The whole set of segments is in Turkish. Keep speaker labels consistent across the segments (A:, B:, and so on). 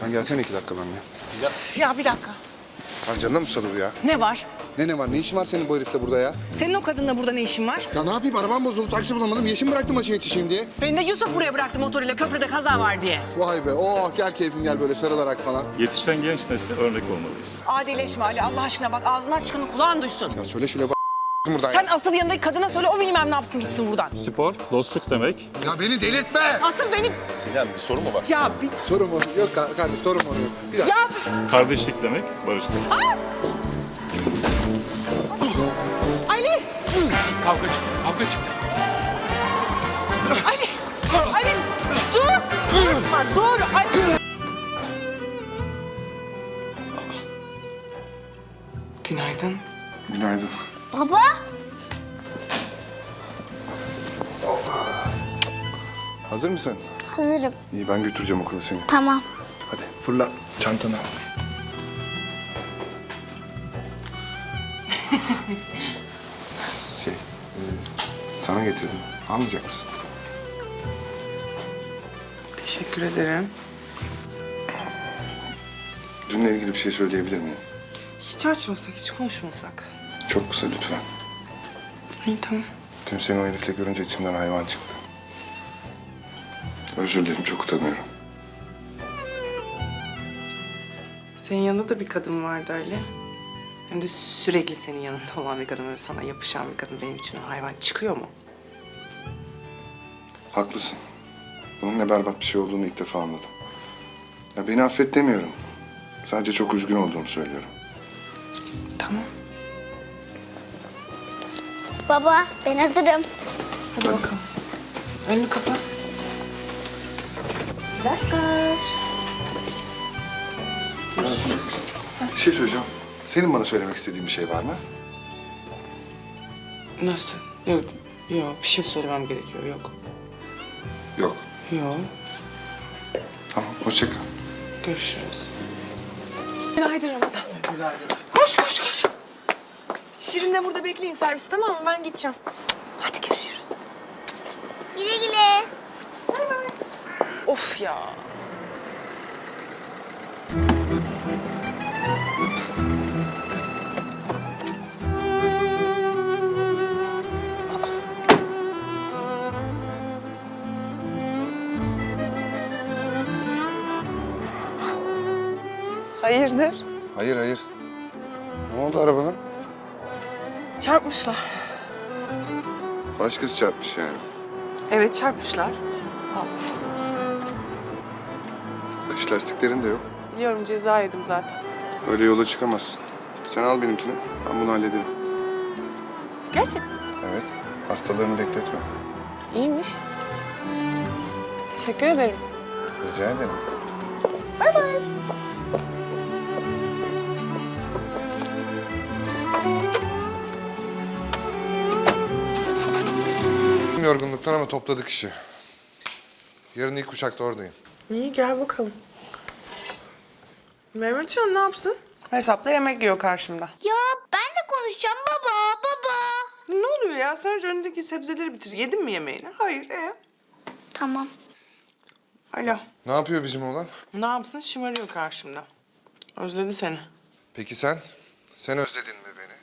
A: Sen gelsene 2 dakika benimle.
B: Ya bir dakika.
A: Lan canına mı susadı bu ya?
B: Ne var?
A: Ne var? Ne işin var senin bu herifle burada ya?
B: Senin o kadınla burada ne işin var?
A: Ya ne yapayım? Arabam bozuldu. Taksi bulamadım. Yeşim bıraktım maça yetişeyim diye.
B: Beni de Yusuf buraya bıraktı motoruyla köprüde kaza var diye.
A: Vay be. Oh gel keyfim gel böyle sarılarak falan.
C: Yetişen genç nesle örnek olmalıyız.
B: Adileşme Ali Allah aşkına bak ağzından çıkanı kulağın duysun.
A: Ya söyle şöyle buradan
B: Sen
A: ya.
B: asıl yanındaki kadına söyle o bilmem ne yapsın gitsin buradan.
C: Spor, dostluk demek.
A: Ya beni delirtme.
B: Asıl benim...
D: Sinem bir soru mu var?
B: Ya bir...
A: Sorun mu? Yok kardeş sorun mu? Yok. Bir dakika.
B: Ya...
C: Kardeşlik demek, barışlık.
B: Ali!
E: Kavga çıktı.
B: Ali! Ali! Dur! Durma, dur! Ali! Günaydın.
A: Günaydın.
F: Baba.
A: Hazır mısın?
F: Hazırım.
A: İyi ben götüreceğim okula seni.
F: Tamam.
A: Hadi fırla çantanı al. Sana getirdim. Almayacak mısın?
B: Teşekkür ederim.
A: Dünle ilgili bir şey söyleyebilir miyim?
B: Hiç açmasak, hiç konuşmasak.
A: Çok kısa lütfen.
B: İyi tamam.
A: Dün seni o herifle görünce içimden hayvan çıktı. Özür dilerim, çok utanıyorum.
G: Senin yanında da bir kadın vardı öyle. Hem de sürekli senin yanında olan bir kadın, böyle sana yapışan bir kadın benim içimden hayvan çıkıyor mu?
A: Haklısın. Bunun ne berbat bir şey olduğunu ilk defa anladım. Ya beni affet demiyorum. Sadece çok üzgün olduğumu söylüyorum.
G: Tamam.
F: Baba ben hazırım.
G: Hadi bakalım. Önünü kapa. Dersler.
A: Bir şey söyleyeceğim. Senin bana söylemek istediğin bir şey var mı?
G: Nasıl? Yok, yok. Bir şey söylemem gerekiyor. Yok.
A: Yok.
G: Yok.
A: Tamam, hoşça kal.
G: Görüşürüz.
B: Günaydın Ramazan. Günaydın. Koş, koş, koş. Şirin de burada bekleyin servis tamam mı? Ben gideceğim. Hadi görüşürüz.
F: Güle güle.
B: Of ya. Hayırdır?
A: Hayır. Ne oldu arabana?
B: Çarpmışlar.
A: Başkası çarpmış yani.
G: Evet, çarpmışlar.
A: Kış lastiklerin de yok.
G: Biliyorum, ceza yedim zaten.
A: Öyle yola çıkamazsın. Sen al benimkini, ben bunu hallederim.
G: Gerçekten.
A: Evet, hastalarını bekletme.
B: İyiymiş. Teşekkür ederim.
A: Rica ederim. Yorgunluktan ama topladık işi. Yarın ilk uçakta oradayım.
G: İyi, gel bakalım. Mehmetcan ne yapsın? Hesapta yemek yiyor karşımda.
F: Ya ben de konuşacağım baba.
G: Ne oluyor ya? Sadece önündeki sebzeleri bitir. Yedin mi yemeğini? Hayır.
F: Tamam.
G: Alo.
A: Ne yapıyor bizim oğlan?
G: Ne yapsın? Şımarıyor karşımda. Özledi seni.
A: Peki sen? Sen özledin mi beni?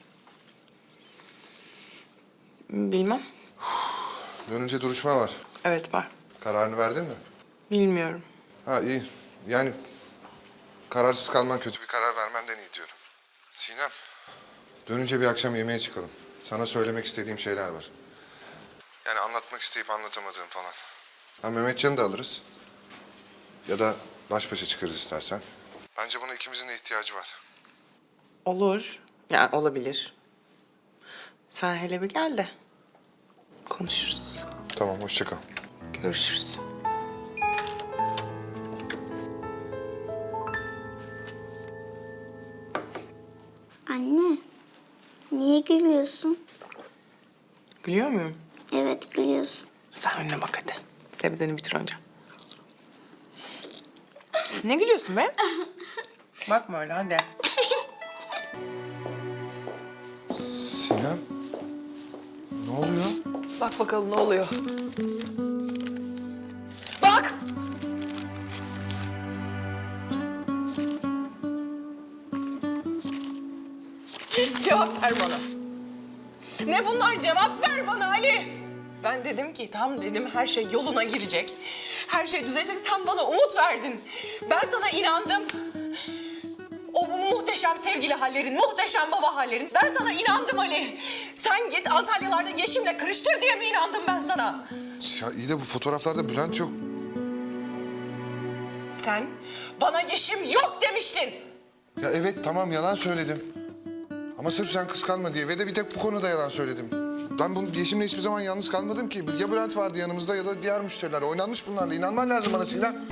G: Bilmem.
A: Dönünce duruşma var.
G: Evet, var.
A: Kararını verdin mi?
G: Bilmiyorum.
A: Ha iyi. Yani kararsız kalman kötü bir karar vermenden iyi diyorum. Sinem, dönünce bir akşam yemeğe çıkalım. Sana söylemek istediğim şeyler var. Yani anlatmak isteyip anlatamadığım falan. Ha Mehmetcan'ı da alırız. Ya da baş başa çıkarız istersen. Bence buna ikimizin de ihtiyacı var.
G: Olur. Yani olabilir. Sen hele bir gel de konuşuruz.
A: Tamam, hoşça kal.
G: Görüşürüz.
F: Anne. Niye gülüyorsun?
G: Gülüyor muyum?
F: Evet gülüyorsun.
G: Sen önüne bak hadi. Sebzeni bitir önce. Ne gülüyorsun be? Bakma öyle hadi.
A: Sinem, ne oluyor?
B: Bak bakalım ne oluyor. Bak! Cevap ver bana. Ne bunlar? Cevap ver bana Ali. Ben dedim ki tam dedim her şey yoluna girecek. Her şey düzelecek. Sen bana umut verdin. Ben sana inandım. O muhteşem sevgili hallerin, muhteşem baba hallerin. Ben sana inandım Ali. Sen git Antalyalarda Yeşim'le kırıştır diye mi inandım ben sana?
A: Ya iyi de bu fotoğraflarda Bülent yok.
B: Sen bana Yeşim yok demiştin.
A: Ya evet tamam yalan söyledim. Ama sırf sen kıskanma diye ve de bir tek bu konuda yalan söyledim. Ben bunu Yeşim'le hiçbir zaman yalnız kalmadım ki. Ya Bülent vardı yanımızda ya da diğer müşteriler. Oynanmış bunlarla. İnanman lazım bana Sinem.